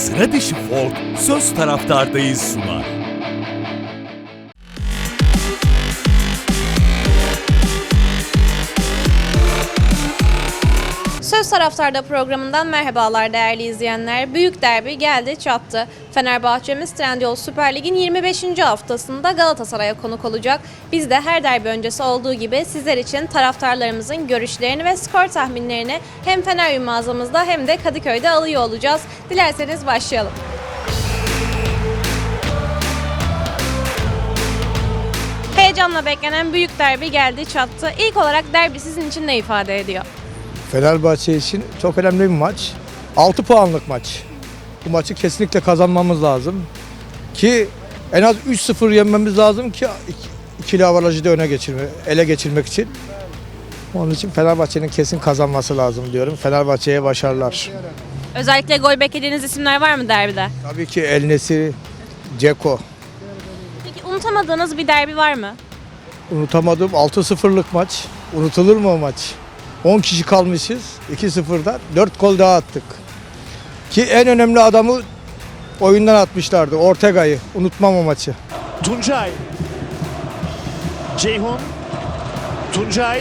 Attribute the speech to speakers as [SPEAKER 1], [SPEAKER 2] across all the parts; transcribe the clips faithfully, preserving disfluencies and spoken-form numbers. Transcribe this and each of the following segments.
[SPEAKER 1] Sıra dışı folk Söz Taraftardayız sunar.
[SPEAKER 2] Söz Taraftarda programından merhabalar değerli izleyenler. Büyük derbi geldi çattı. Fenerbahçemiz Trendyol Süper Lig'in yirmi beşinci haftasında Galatasaray'a konuk olacak. Biz de her derbi öncesi olduğu gibi sizler için taraftarlarımızın görüşlerini ve skor tahminlerini hem Feneryum mağazamızda hem de Kadıköy'de alıyor olacağız. Dilerseniz başlayalım. Heyecanla beklenen büyük derbi geldi çattı. İlk olarak derbi sizin için ne ifade ediyor?
[SPEAKER 3] Fenerbahçe için çok önemli bir maç. altı puanlık maç. Bu maçı kesinlikle kazanmamız lazım. Ki en az üç sıfır yenmemiz lazım ki ikili avarajı da öne geçirme, ele geçirmek için. Onun için Fenerbahçe'nin kesin kazanması lazım diyorum. Fenerbahçe'ye başarılar.
[SPEAKER 2] Özellikle gol beklediğiniz isimler var mı derbide?
[SPEAKER 3] Tabii ki El Nesiri, Ceko.
[SPEAKER 2] Peki unutamadığınız bir derbi var mı?
[SPEAKER 3] Unutamadığım altı sıfırlık maç. Unutulur mu o maç? on kişi kalmışız. iki sıfırdan dört gol daha attık. Ki en önemli adamı oyundan atmışlardı. Ortega'yı. Unutmam o maçı.
[SPEAKER 4] Tuncay. Ceyhun. Tuncay.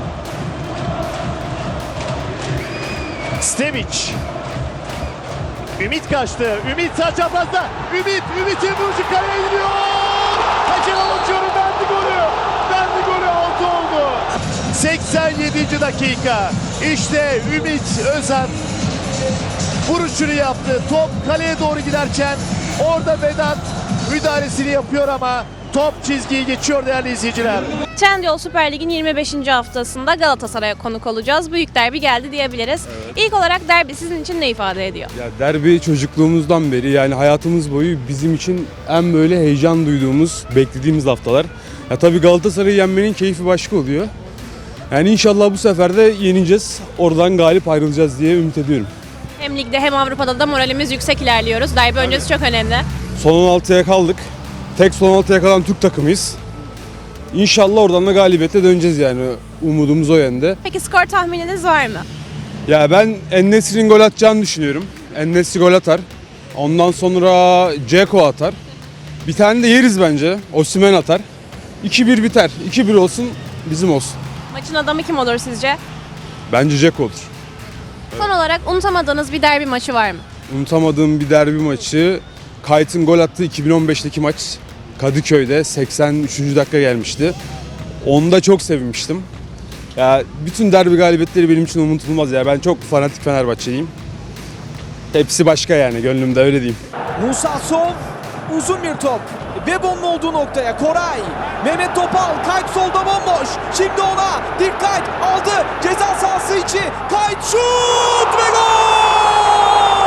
[SPEAKER 4] Stevic. Ümit kaçtı. Ümit sağ çaprazda. Ümit. Ümit'in vuruşu kaleye gidiyor. Kaçıran atıyorum. Verdi golü. Verdi golü. Altı oldu. seksen yedinci dakika. İşte Ümit Özat vuruşunu yaptı. Top kaleye doğru giderken orada Vedat müdahalesini yapıyor ama top çizgiyi geçiyor değerli izleyiciler.
[SPEAKER 2] Trendyol Süper Lig'in yirmi beşinci haftasında Galatasaray'a konuk olacağız. Büyük derbi geldi diyebiliriz. Evet. İlk olarak derbi sizin için ne ifade ediyor?
[SPEAKER 5] Ya derbi çocukluğumuzdan beri, yani hayatımız boyu bizim için en böyle heyecan duyduğumuz, beklediğimiz haftalar. Ya tabii Galatasaray'ı yenmenin keyfi başka oluyor. Yani inşallah bu sefer de yeneceğiz. Oradan galip ayrılacağız diye ümit ediyorum.
[SPEAKER 2] Hem ligde hem Avrupa'da da moralimiz yüksek ilerliyoruz. Derbi öncesi çok önemli.
[SPEAKER 5] Son on altıya kaldık. Tek son altıya kalan Türk takımıyız. İnşallah oradan da galibiyete döneceğiz yani. Umudumuz o yönde.
[SPEAKER 2] Peki skor tahmininiz var mı?
[SPEAKER 5] Ya ben En-Nesyri'nin gol atacağını düşünüyorum. En-Nesyri gol atar. Ondan sonra Ceko atar. Bir tane de yeriz bence. Osimhen atar. iki bir biter. iki bir olsun, bizim olsun.
[SPEAKER 2] Maçın adamı kim olur sizce?
[SPEAKER 5] Bence Ceko olur.
[SPEAKER 2] Son olarak unutamadığınız bir derbi maçı var mı?
[SPEAKER 5] Unutamadığım bir derbi maçı, Kayt'ın gol attığı iki bin on beşteki maç Kadıköy'de seksen üçüncü dakika gelmişti. Onda çok sevinmiştim. Ya bütün derbi galibiyetleri benim için unutulmaz ya. Ben çok fanatik Fenerbahçeliyim. Hepsi başka yani, gönlümde öyle diyeyim.
[SPEAKER 6] Musa Sol, uzun bir top. Webon'un olduğu noktaya Koray. Mehmet Topal, Kayt solda bomboş. Şimdi ona dikkat aldı. Ceza sahası içi. Kayt şut ve gol!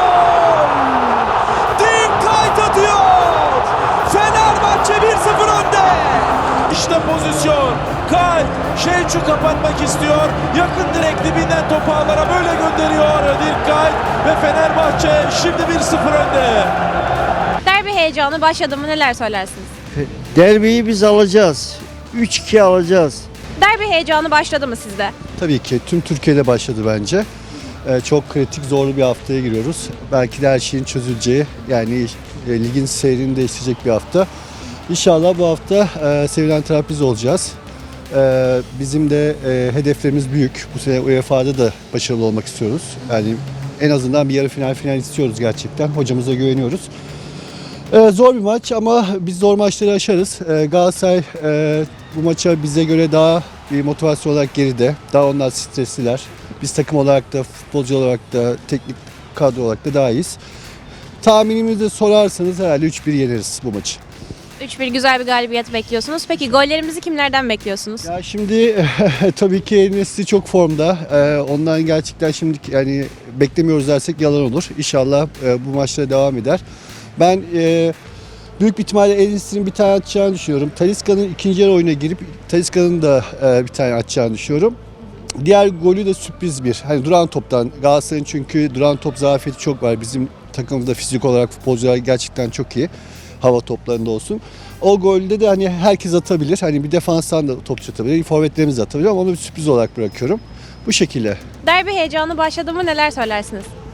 [SPEAKER 6] Dikkat atıyor. Fenerbahçe bir sıfır önde. İşte pozisyon. Kayt Şevçu kapatmak istiyor. Yakın direkt dibinden topu ağlara böyle gönderiyor. Dikkat ve Fenerbahçe şimdi bir sıfır önde.
[SPEAKER 2] Derbi heyecanı başladı mı, neler söylersiniz?
[SPEAKER 7] Derbiyi biz alacağız. üç iki alacağız.
[SPEAKER 2] Derbi heyecanı başladı mı sizde?
[SPEAKER 7] Tabii ki tüm Türkiye'de başladı bence. Ee, çok kritik, zorlu bir haftaya giriyoruz. Belki de her şeyin çözüleceği, yani e, ligin seyrini değiştirecek bir hafta. İnşallah bu hafta e, sevilen taraf biz olacağız. E, bizim de e, hedeflerimiz büyük. Bu sene U E F A'da da başarılı olmak istiyoruz. Yani en azından bir yarı final final istiyoruz gerçekten. Hocamıza güveniyoruz. Ee, zor bir maç ama biz zor maçları aşarız. Ee, Galatasaray e, bu maça bize göre daha bir motivasyon olarak geride. Daha onlar stresliler. Biz takım olarak da, futbolcu olarak da, teknik kadro olarak da daha iyiyiz. Tahminimizi sorarsanız herhalde üç bir yeneriz bu maçı.
[SPEAKER 2] üç bir güzel bir galibiyet bekliyorsunuz. Peki gollerimizi kimlerden bekliyorsunuz?
[SPEAKER 7] Ya şimdi tabii ki El-Nesri çok formda. Ee, ondan gerçekten şimdi yani beklemiyoruz dersek yalan olur. İnşallah e, bu maçlara devam eder. Ben e, büyük bir ihtimalle El-Nesri'nin bir tane atacağını düşünüyorum. Talisca'nın ikinci yarı oyuna girip Talisca'nın da e, bir tane atacağını düşünüyorum. Diğer golü de sürpriz bir. Hani duran toptan. Galatasaray'ın çünkü duran top zafiyeti çok var. Bizim takımımızda fizik olarak futbolcular gerçekten çok iyi. Hava toplarında olsun. O golde de hani herkes atabilir. Hani bir defanstan da topçu atabilir. Forvetlerimiz de atabilir ama onu bir sürpriz olarak bırakıyorum. Bu şekilde.
[SPEAKER 2] Derbi heyecanı başladı mı, neler söylersiniz?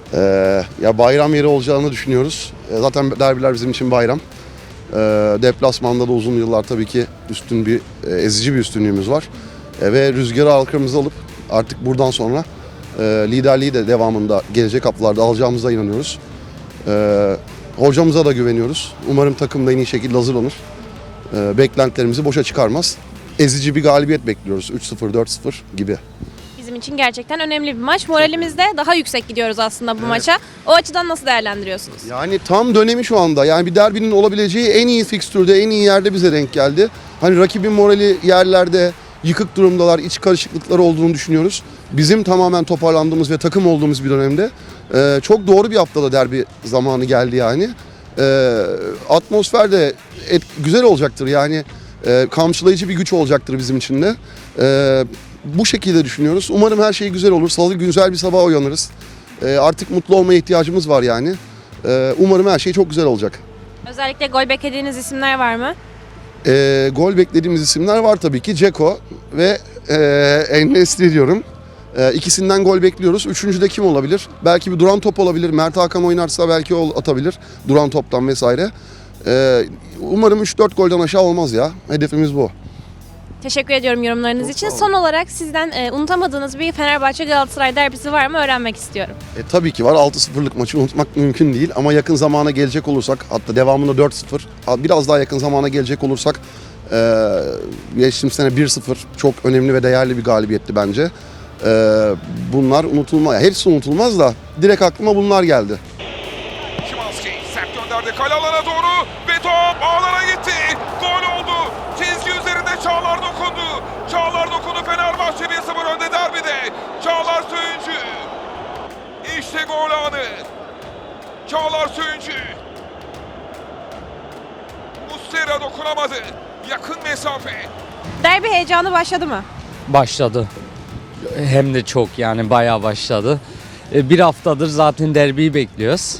[SPEAKER 8] Ee, ya bayram yeri olacağını düşünüyoruz. E, zaten derbiler bizim için bayram. Ee, deplasmanda da uzun yıllar tabii ki üstün bir, e, ezici bir üstünlüğümüz var. E, ve rüzgarı arkamıza alıp artık buradan sonra e, liderliği de devamında gelecek haftalarda alacağımıza inanıyoruz. E, hocamıza da güveniyoruz. Umarım takım da en iyi şekilde hazırlanır. E, beklentilerimizi boşa çıkarmaz. Ezici bir galibiyet bekliyoruz. üç sıfır, dört sıfır gibi.
[SPEAKER 2] Bizim için gerçekten önemli bir maç. Moralimizde daha yüksek gidiyoruz aslında bu maça. O açıdan nasıl değerlendiriyorsunuz?
[SPEAKER 8] Yani tam dönemi şu anda. Yani bir derbinin olabileceği en iyi fikstürde, en iyi yerde bize denk geldi. Hani rakibin morali yerlerde, yıkık durumdalar, iç karışıklıkları olduğunu düşünüyoruz. Bizim tamamen toparlandığımız ve takım olduğumuz bir dönemde e, çok doğru bir haftada derbi zamanı geldi yani. E, atmosfer de et, güzel olacaktır yani. E, kamçılayıcı bir güç olacaktır bizim için de. E, bu şekilde düşünüyoruz. Umarım her şey güzel olur. Salı güzel bir sabah uyanırız. E, artık mutlu olmaya ihtiyacımız var yani. E, umarım her şey çok güzel olacak.
[SPEAKER 2] Özellikle gol beklediğiniz isimler var mı?
[SPEAKER 8] E, gol beklediğimiz isimler var tabii ki. Dzeko ve e, En-Nesyri diyorum. E, ikisinden gol bekliyoruz. Üçüncü de kim olabilir? Belki bir duran top olabilir. Mert Hakan oynarsa belki o atabilir. Duran toptan vesaire. E, umarım üç dört golden aşağı olmaz ya. Hedefimiz bu.
[SPEAKER 2] Teşekkür ediyorum yorumlarınız için. Son olarak sizden e, unutamadığınız bir Fenerbahçe Galatasaray derbisi var mı öğrenmek istiyorum.
[SPEAKER 8] E, tabii ki var. altı sıfırlık maçı unutmak mümkün değil. Ama yakın zamana gelecek olursak, hatta devamında dört sıfır, biraz daha yakın zamana gelecek olursak e, geçtiğimiz sene bir sıfır çok önemli ve değerli bir galibiyetti bence. E, bunlar unutulmaz. Hepsi unutulmaz da direkt aklıma bunlar geldi.
[SPEAKER 9] Szymański sert gönderdi kale alana doğru ve top ağlara gitti. Gol oldu. Çizgi üzerinde Çağlar dokundu. Çağlar dokundu. Fenerbahçe bir sıfır önde derbide. Çağlar Söyüncü. İşte gol anı. Çağlar Söyüncü. Muslera dokunamadı. Yakın mesafe.
[SPEAKER 2] Derbi heyecanı başladı mı?
[SPEAKER 10] Başladı. Hem de çok yani bayağı başladı. E, Bir haftadır zaten derbiyi bekliyoruz.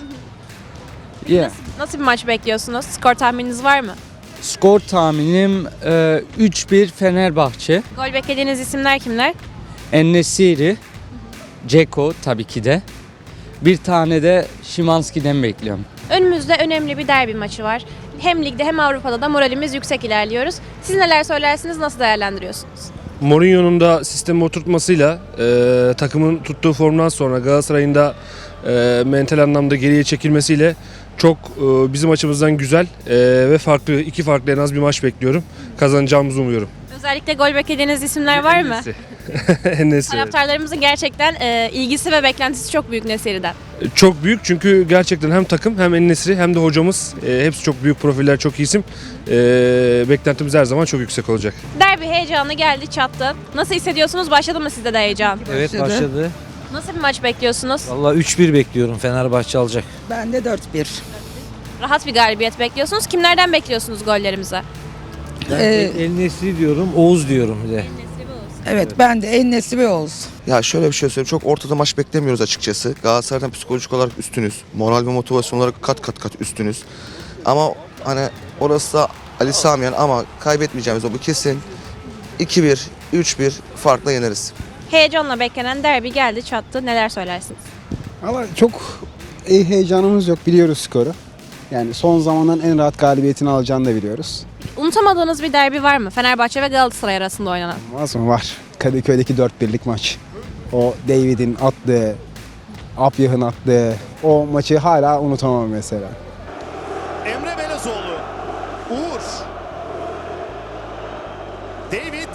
[SPEAKER 10] Yeah.
[SPEAKER 2] Nasıl bir maç bekliyorsunuz? Skor tahmininiz var mı?
[SPEAKER 10] Skor tahminim e, üç bir Fenerbahçe.
[SPEAKER 2] Gol beklediğiniz isimler kimler?
[SPEAKER 10] En-Nesyri, Dzeko tabii ki de. Bir tane de Szymański'den bekliyorum.
[SPEAKER 2] Önümüzde önemli bir derbi maçı var. Hem ligde hem Avrupa'da da moralimiz yüksek ilerliyoruz. Siz neler söylersiniz, nasıl değerlendiriyorsunuz?
[SPEAKER 11] Mourinho'nun da sistemi oturtmasıyla e, takımın tuttuğu formdan sonra Galatasaray'ın da e, mental anlamda geriye çekilmesiyle çok e, bizim açımızdan güzel e, ve farklı iki farklı en az bir maç bekliyorum. Kazanacağımızı umuyorum.
[SPEAKER 2] Özellikle gol beklediğiniz isimler var mı?
[SPEAKER 11] En-Nesyri.
[SPEAKER 2] Taraftarlarımızın gerçekten e, ilgisi ve beklentisi çok büyük Nesyri'den.
[SPEAKER 11] Çok büyük çünkü gerçekten hem takım hem En-Nesyri hem de hocamız e, hepsi çok büyük profiller, çok iyi isim. E, beklentimiz her zaman çok yüksek olacak.
[SPEAKER 2] Derbi heyecanı geldi çattı. Nasıl hissediyorsunuz? Başladı mı sizde de heyecan?
[SPEAKER 12] Evet başladı.
[SPEAKER 2] Nasıl bir maç bekliyorsunuz?
[SPEAKER 12] Vallahi üç bir bekliyorum. Fenerbahçe alacak.
[SPEAKER 13] Ben de dört bir.
[SPEAKER 2] Rahat bir galibiyet bekliyorsunuz. Kimlerden bekliyorsunuz gollerimizi?
[SPEAKER 13] Ee,
[SPEAKER 12] En-Nesyri diyorum, Oğuz diyorum bir de.
[SPEAKER 13] Evet ben de En-Nesyri ve Oğuz.
[SPEAKER 14] Ya şöyle bir şey söyleyeyim. Çok ortada maç beklemiyoruz açıkçası. Galatasaray'dan psikolojik olarak üstünüz. Moral ve motivasyon olarak kat kat kat üstünüz. Ama hani orası da Ali Samiyen ama kaybetmeyeceğimiz o bu kesin. iki bir, üç bir farkla yeneriz.
[SPEAKER 2] Heyecanla beklenen derbi geldi çattı. Neler söylersiniz?
[SPEAKER 15] Ama çok iyi heyecanımız yok. Biliyoruz skoru. Yani son zamanların en rahat galibiyetini alacağını da biliyoruz.
[SPEAKER 2] Unutamadığınız bir derbi var mı? Fenerbahçe ve Galatasaray arasında oynanan.
[SPEAKER 15] Olmaz mı? Var. Kadıköy'deki dört birlik maç. O David'in attığı, Apyah'ın attığı o maçı hala unutamam mesela.
[SPEAKER 4] Emre Belezoğlu. Uğur. David.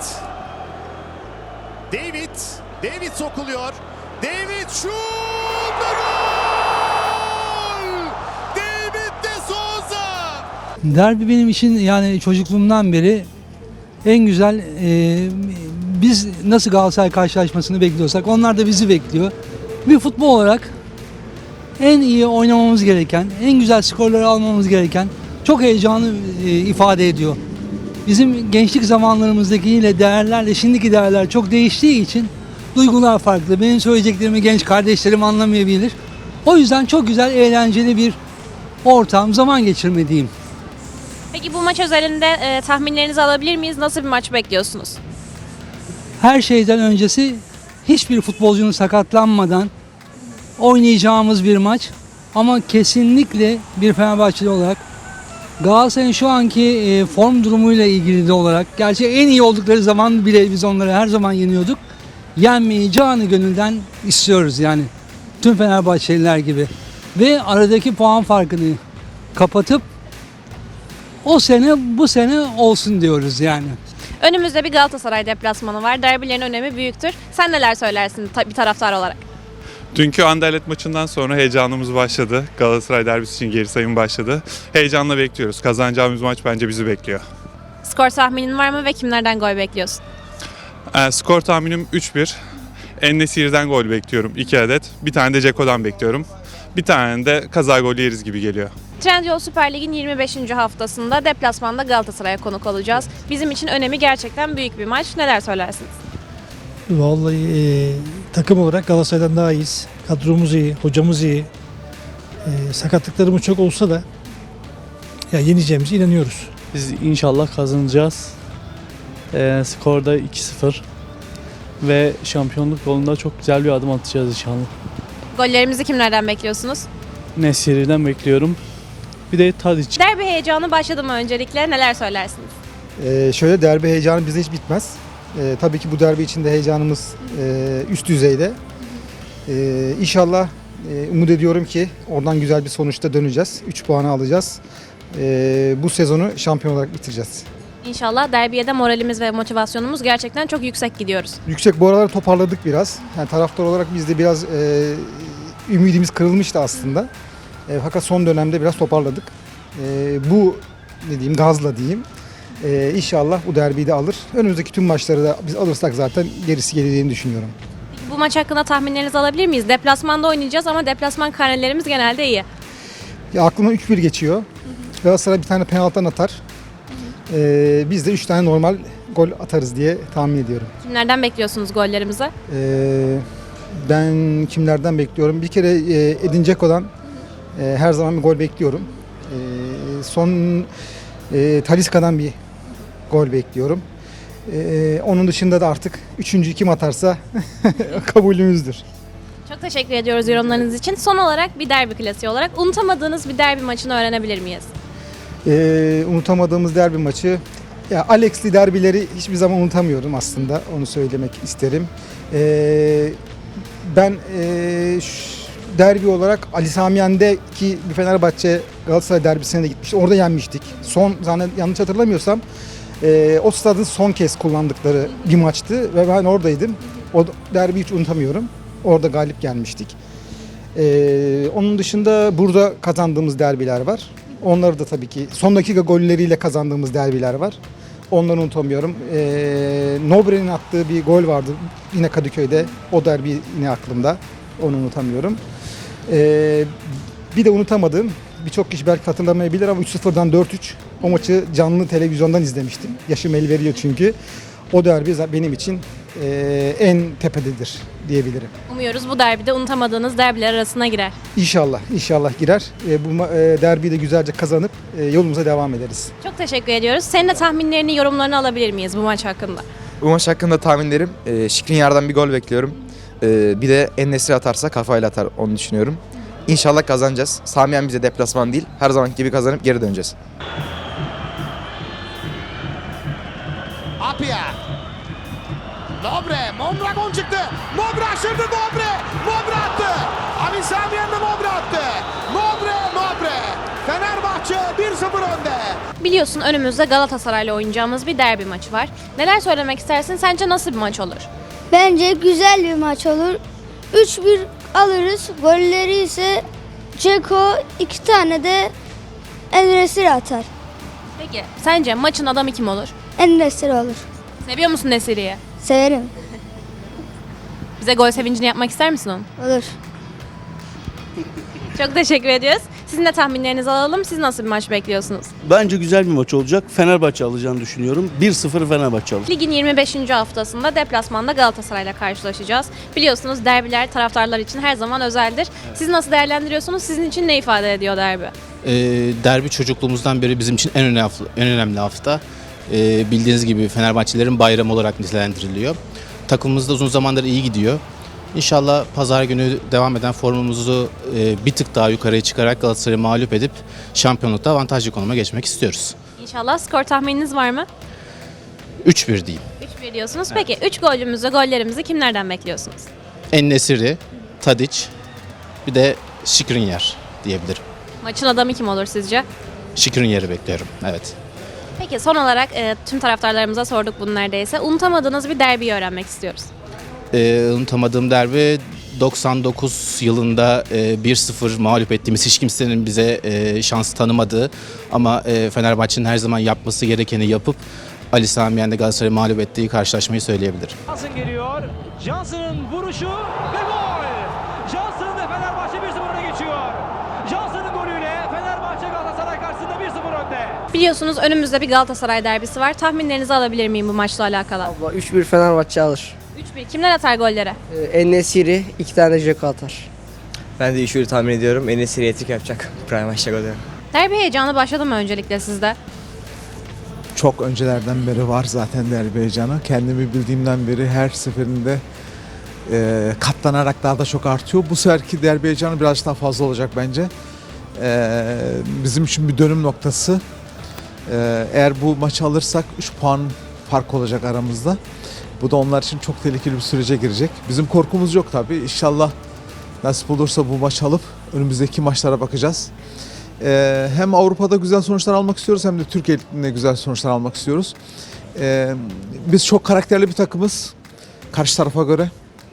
[SPEAKER 4] David. David sokuluyor. David şut ve gol! David de Souza.
[SPEAKER 16] Derbi benim için yani çocukluğumdan beri en güzel, e, biz nasıl Galatasaray karşılaşmasını bekliyorsak onlar da bizi bekliyor. Bir futbol olarak en iyi oynamamız gereken, en güzel skorları almamız gereken çok heyecanı e, ifade ediyor. Bizim gençlik zamanlarımızdaki yine değerlerle şimdiki değerler çok değiştiği için duygular farklı. Benim söyleyeceklerimi genç kardeşlerim anlamayabilir. O yüzden çok güzel, eğlenceli bir ortam, zaman geçirme diyeyim.
[SPEAKER 2] Peki bu maç özelinde e, tahminlerinizi alabilir miyiz? Nasıl bir maç bekliyorsunuz?
[SPEAKER 16] Her şeyden öncesi hiçbir futbolcunun sakatlanmadan oynayacağımız bir maç. Ama kesinlikle bir Fenerbahçeli olarak Galatasaray'ın şu anki e, form durumuyla ilgili de olarak, gerçi en iyi oldukları zaman bile biz onları her zaman yeniyorduk. Yenmeyi canı gönülden istiyoruz yani. Tüm Fenerbahçeliler gibi. Ve aradaki puan farkını kapatıp o sene bu sene olsun diyoruz yani.
[SPEAKER 2] Önümüzde bir Galatasaray deplasmanı var. Derbilerin önemi büyüktür. Sen neler söylersin ta- bir taraftar olarak?
[SPEAKER 17] Dünkü Anderlecht maçından sonra heyecanımız başladı. Galatasaray derbisi için geri sayım başladı. Heyecanla bekliyoruz. Kazanacağımız maç bence bizi bekliyor.
[SPEAKER 2] Skor tahminin var mı ve kimlerden gol bekliyorsun?
[SPEAKER 17] Ee, skor tahminim üç bir. En-Nesyri'den gol bekliyorum iki adet. Bir tane de Ceko'dan bekliyorum. Bir tane de kaza golü yeriz gibi geliyor.
[SPEAKER 2] Trendyol Süper Lig'in yirmi beşinci haftasında deplasmanda Galatasaray'a konuk olacağız. Bizim için önemi gerçekten büyük bir maç. Neler söylersiniz?
[SPEAKER 18] Vallahi e, takım olarak Galatasaray'dan daha iyiyiz. Kadromuz iyi, hocamız iyi. E, sakatlıklarımız çok olsa da ya yeneceğimize inanıyoruz.
[SPEAKER 19] Biz inşallah kazanacağız. E, skorda iki sıfır ve şampiyonluk yolunda çok güzel bir adım atacağız inşallah.
[SPEAKER 2] Gollerimizi kimlerden bekliyorsunuz?
[SPEAKER 19] Nesiri'den bekliyorum. Bir de Tadic.
[SPEAKER 2] Derbi heyecanı başladı mı öncelikle? Neler söylersiniz?
[SPEAKER 20] Ee, şöyle derbi heyecanı bizde hiç bitmez. Ee, tabii ki bu derbi içinde heyecanımız e, üst düzeyde. Ee, İnşallah e, umut ediyorum ki oradan güzel bir sonuçta döneceğiz. üç puanı alacağız. Ee, bu sezonu şampiyon olarak bitireceğiz.
[SPEAKER 2] İnşallah derbiye de moralimiz ve motivasyonumuz gerçekten çok yüksek gidiyoruz.
[SPEAKER 20] Yüksek, bu aralar toparladık biraz. Yani taraftar olarak biz de biraz e, ümidimiz kırılmıştı aslında. E, fakat son dönemde biraz toparladık. E, bu ne diyeyim, gazla diyeyim. E, İnşallah bu derbiyi de alır. Önümüzdeki tüm maçları da biz alırsak zaten gerisi geleceğini düşünüyorum.
[SPEAKER 2] Bu maç hakkında tahminlerinizi alabilir miyiz? Deplasmanda oynayacağız ama deplasman karnelerimiz genelde iyi.
[SPEAKER 20] Ya aklımdan üç bir geçiyor. Galatasaray bir tane penaltıdan atar. E, biz de üç tane normal gol atarız diye tahmin ediyorum.
[SPEAKER 2] Kimlerden bekliyorsunuz gollerimizi?
[SPEAKER 20] E, ben kimlerden bekliyorum? Bir kere e, Edin Dzeko'dan e, her zaman bir gol bekliyorum. E, son e, Talisca'dan bir gol bekliyorum. E, onun dışında da artık üçüncü kim atarsa kabulümüzdür.
[SPEAKER 2] Çok teşekkür ediyoruz yorumlarınız için. Son olarak bir derbi klasiği olarak unutamadığınız bir derbi maçını öğrenebilir miyiz?
[SPEAKER 20] E, unutamadığımız derbi maçı, ya Alex'li derbileri hiçbir zaman unutamıyorum aslında, onu söylemek isterim. E, ben e, şu, derbi olarak Ali Sami Yen'deki bir Fenerbahçe Galatasaray derbisine de gitmiştik. Orada yenmiştik. Son, zannet, yanlış hatırlamıyorsam e, o stadın son kez kullandıkları bir maçtı ve ben oradaydım. O derbiyi hiç unutamıyorum. Orada galip gelmiştik. E, onun dışında burada kazandığımız derbiler var. Onları da tabii ki son dakika golleriyle kazandığımız derbiler var. Onları unutamıyorum. E, Nobre'nin attığı bir gol vardı yine Kadıköy'de. O derbi yine aklımda. Onu unutamıyorum. Ee, bir de unutamadığım, birçok kişi belki hatırlamayabilir ama üç sıfırdan dört üç o maçı canlı televizyondan izlemiştim. Yaşım el veriyor çünkü. O derbi benim için e, en tepededir diyebilirim.
[SPEAKER 2] Umuyoruz bu derbide unutamadığınız derbiler arasına girer.
[SPEAKER 20] İnşallah, inşallah girer. E, bu e, derbiyi de güzelce kazanıp e, yolumuza devam ederiz.
[SPEAKER 2] Çok teşekkür ediyoruz. Senin de tahminlerini, yorumlarını alabilir miyiz bu maç hakkında?
[SPEAKER 21] Bu maç hakkında tahminlerim, e, Skriniar'dan bir gol bekliyorum. E, bir de En-Nesyri atarsa kafayla atar, onu düşünüyorum. İnşallah kazanacağız. Sami Yen bize deplasman değil, her zamanki gibi kazanıp geri döneceğiz.
[SPEAKER 4] Apia. Nobre, Mondragon gol çıktı. Nobre aşırdı Nobre. Nobre attı. Ali Sami Yen de Nobre attı. Nobre, Nobre. Fenerbahçe bir sıfır önde.
[SPEAKER 2] Biliyorsun önümüzde Galatasaray'la oynayacağımız bir derbi maçı var. Neler söylemek istersin? Sence nasıl bir maç olur?
[SPEAKER 22] Bence güzel bir maç olur. üç bir alırız. Golleri ise Dzeko, iki tane de En-Nesyri atar.
[SPEAKER 2] Peki sence maçın adamı kim olur?
[SPEAKER 22] En-Nesyri olur.
[SPEAKER 2] Seviyor musun Nesiri'yi?
[SPEAKER 22] Severim.
[SPEAKER 2] Bize gol sevincini yapmak ister misin onu?
[SPEAKER 22] Olur.
[SPEAKER 2] Çok teşekkür ediyoruz. Sizin de tahminlerinizi alalım. Siz nasıl bir maç bekliyorsunuz?
[SPEAKER 23] Bence güzel bir maç olacak. Fenerbahçe alacağını düşünüyorum. bir sıfır Fenerbahçe alır.
[SPEAKER 2] Ligin yirmi beşinci haftasında deplasmanda Galatasaray'la karşılaşacağız. Biliyorsunuz derbiler taraftarlar için her zaman özeldir. Siz nasıl değerlendiriyorsunuz? Sizin için ne ifade ediyor derbi?
[SPEAKER 24] Ee, derbi çocukluğumuzdan beri bizim için en önemli hafta. En önemli hafta. Ee, bildiğiniz gibi Fenerbahçelilerin bayramı olarak nitelendiriliyor. Takımımız da uzun zamandır iyi gidiyor. İnşallah pazar günü devam eden formumuzu e, bir tık daha yukarıya çıkarak Galatasaray'ı mağlup edip şampiyonlukta avantajlı konuma geçmek istiyoruz.
[SPEAKER 2] İnşallah. Skor tahmininiz var mı?
[SPEAKER 24] üç bir diyeyim.
[SPEAKER 2] üç bir diyorsunuz. Peki üç golümüzü, gollerimizi kimlerden bekliyorsunuz?
[SPEAKER 24] En-Nesyri, Tadic, bir de Skriniar diyebilirim.
[SPEAKER 2] Maçın adamı kim olur sizce?
[SPEAKER 24] Skriniar'ı bekliyorum, evet.
[SPEAKER 2] Peki son olarak e, tüm taraftarlarımıza sorduk bunu neredeyse. Unutamadığınız bir derbiyi öğrenmek istiyoruz.
[SPEAKER 24] Ee, unutamadığım derbi doksan dokuz yılında e, bir sıfır mağlup ettiğimiz, hiç kimsenin bize e, şans tanımadığı ama e, Fenerbahçe'nin her zaman yapması gerekeni yapıp Ali Sami Yen'de Galatasaray'ı mağlup ettiği karşılaşmayı söyleyebilirim.
[SPEAKER 1] Johnson geliyor. Johnson'ın vuruşu ve gol. Johnson ve Fenerbahçe bir sıfır öne geçiyor. Johnson'ın golüyle Fenerbahçe Galatasaray karşısında bir sıfır önde.
[SPEAKER 2] Biliyorsunuz önümüzde bir Galatasaray derbisi var. Tahminlerinizi alabilir miyim bu maçla alakalı?
[SPEAKER 3] Abla üç bir Fenerbahçe alır.
[SPEAKER 2] üç bir. Kimler atar golleri?
[SPEAKER 3] Ee, En-Nesyri iki tane Dzeko atar.
[SPEAKER 5] Ben de üç bir tahmin ediyorum. En-Nesyri hat-trick yapacak. Prime maçta golü.
[SPEAKER 2] Derbi heyecanı başladı mı öncelikle sizde?
[SPEAKER 6] Çok öncelerden beri var zaten derbi heyecanı. Kendimi bildiğimden beri her seferinde e, katlanarak daha da çok artıyor. Bu seferki derbi heyecanı biraz daha fazla olacak bence. E, bizim için bir dönüm noktası. E, eğer bu maçı alırsak üç puan fark olacak aramızda. Bu da onlar için çok tehlikeli bir sürece girecek. Bizim korkumuz yok tabii. İnşallah nasip olursa bu maçı alıp önümüzdeki maçlara bakacağız. Ee, hem Avrupa'da güzel sonuçlar almak istiyoruz hem de Türkiye Ligi'nde güzel sonuçlar almak istiyoruz. Ee, biz çok karakterli bir takımız karşı tarafa göre.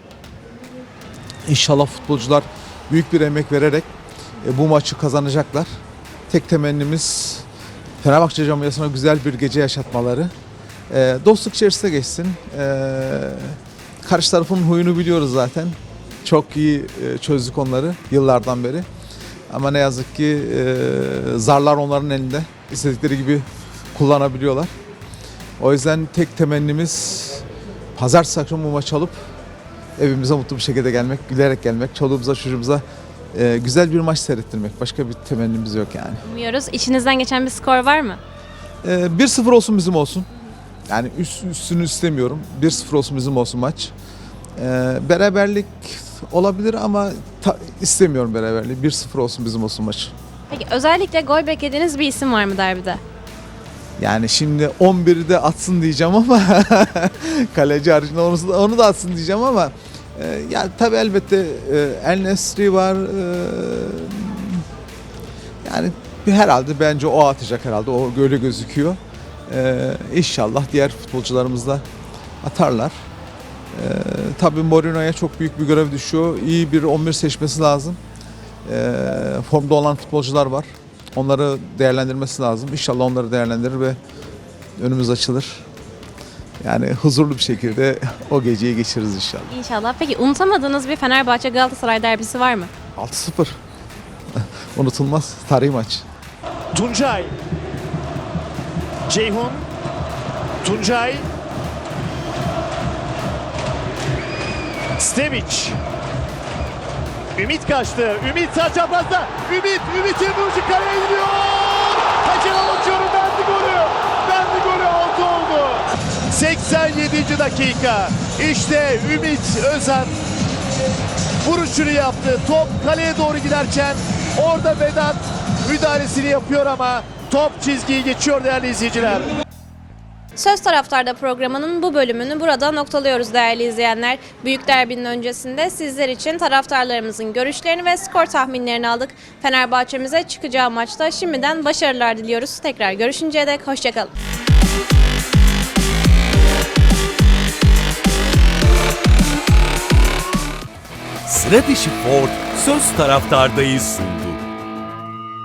[SPEAKER 6] İnşallah futbolcular büyük bir emek vererek e, bu maçı kazanacaklar. Tek temennimiz Fenerbahçe camiasına güzel bir gece yaşatmaları. E, dostluk içerisinde geçsin. E, karşı tarafın huyunu biliyoruz zaten. Çok iyi e, çözdük onları yıllardan beri. Ama ne yazık ki e, zarlar onların elinde. İstedikleri gibi kullanabiliyorlar. O yüzden tek temennimiz pazartesi akşamı bu maçı alıp evimize mutlu bir şekilde gelmek, gülerek gelmek, çoluğumuza çocuğumuza e, güzel bir maç seyrettirmek. Başka bir temennimiz yok yani.
[SPEAKER 2] Umuyoruz. İçinizden geçen bir skor var mı?
[SPEAKER 6] E, bir sıfır olsun bizim olsun. Yani üst, üstünü istemiyorum. bir sıfır olsun bizim olsun maç. E, beraberlik olabilir ama ta, istemiyorum beraberliği. bir sıfır olsun bizim olsun maç.
[SPEAKER 2] Peki özellikle gol beklediğiniz bir isim var mı derbide?
[SPEAKER 6] Yani şimdi on biri de atsın diyeceğim ama kaleci haricinde onu, onu da atsın diyeceğim ama e, yani tabii elbette e, En-Nesyri var. E, yani herhalde bence o atacak herhalde. O öyle gözüküyor. E, İnşallah diğer futbolcularımız da atarlar. Ee, tabii Mourinho'ya çok büyük bir görev düşüyor. İyi bir on bir seçmesi lazım. Ee, formda olan futbolcular var. Onları değerlendirmesi lazım. İnşallah onları değerlendirir ve önümüz açılır. Yani huzurlu bir şekilde o geceyi geçiririz inşallah.
[SPEAKER 2] İnşallah. Peki unutamadığınız bir Fenerbahçe Galatasaray derbisi var mı?
[SPEAKER 6] altı sıfır. Unutulmaz. Tarihi maç.
[SPEAKER 4] Tuncay. Ceyhun. Tuncay. Stevic. Ümit kaçtı. Ümit sağ çaprazda. Ümit. Ümit'in vuruşu kaleye gidiyor. Kaçıran uçuyorum. Bendi golü. Bendi golü altı oldu. seksen yedinci dakika. İşte Ümit Özen vuruşunu yaptı. Top kaleye doğru giderken orada Vedat müdahalesini yapıyor ama top çizgiyi geçiyor değerli izleyiciler.
[SPEAKER 2] Söz Taraftar'da programının bu bölümünü burada noktalıyoruz değerli izleyenler. Büyük derbinin öncesinde sizler için taraftarlarımızın görüşlerini ve skor tahminlerini aldık. Fenerbahçe'mize çıkacağı maçta şimdiden başarılar diliyoruz. Tekrar görüşünceye dek hoşçakalın.
[SPEAKER 25] Sıra dışı Ford Söz Taraftar'dayız sundu.